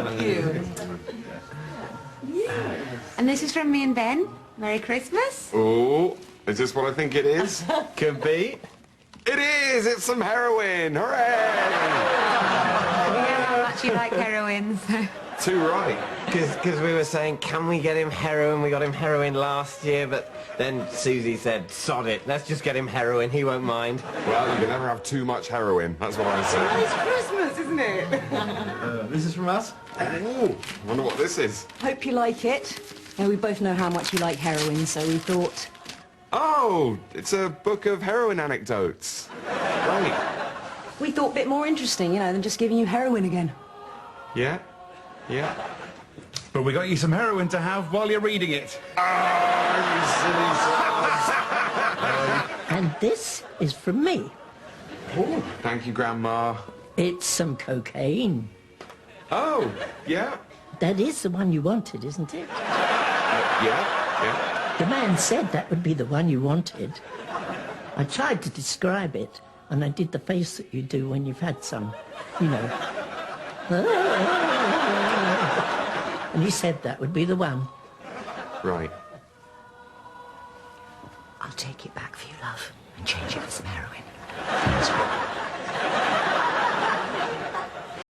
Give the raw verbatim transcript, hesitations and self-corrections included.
Thank you. And this is from me and Ben. Merry Christmas. Oh, is this what I think it is? Could be. It is! It's some heroin! Hooray! We know how much you like heroin, so... Too right. Because we were saying, can we get him heroin? We got him heroin last year, but then Susie said, sod it, let's just get him heroin, he won't mind. Well, you can never have too much heroin. That's what I say. It's Christmas, isn't it? Uh, this is from us. Ooh, wonder what this is. Hope you like it. Now, we both know how much you like heroin, so we thought... Oh, it's a book of heroin anecdotes. Right. We thought a bit more interesting, you know, than just giving you heroin again. Yeah? Yeah? But we got you some heroin to have while you're reading it. And this is from me. Oh, thank you, Grandma. It's some cocaine. Oh, yeah? That is the one you wanted, isn't it? Uh, yeah? Yeah? The man said that would be the one you wanted. I tried to describe it, and I did the face that you do when you've had some, you know. And he said that would be the one. Right. I'll take it back for you, love, and change it for some heroin.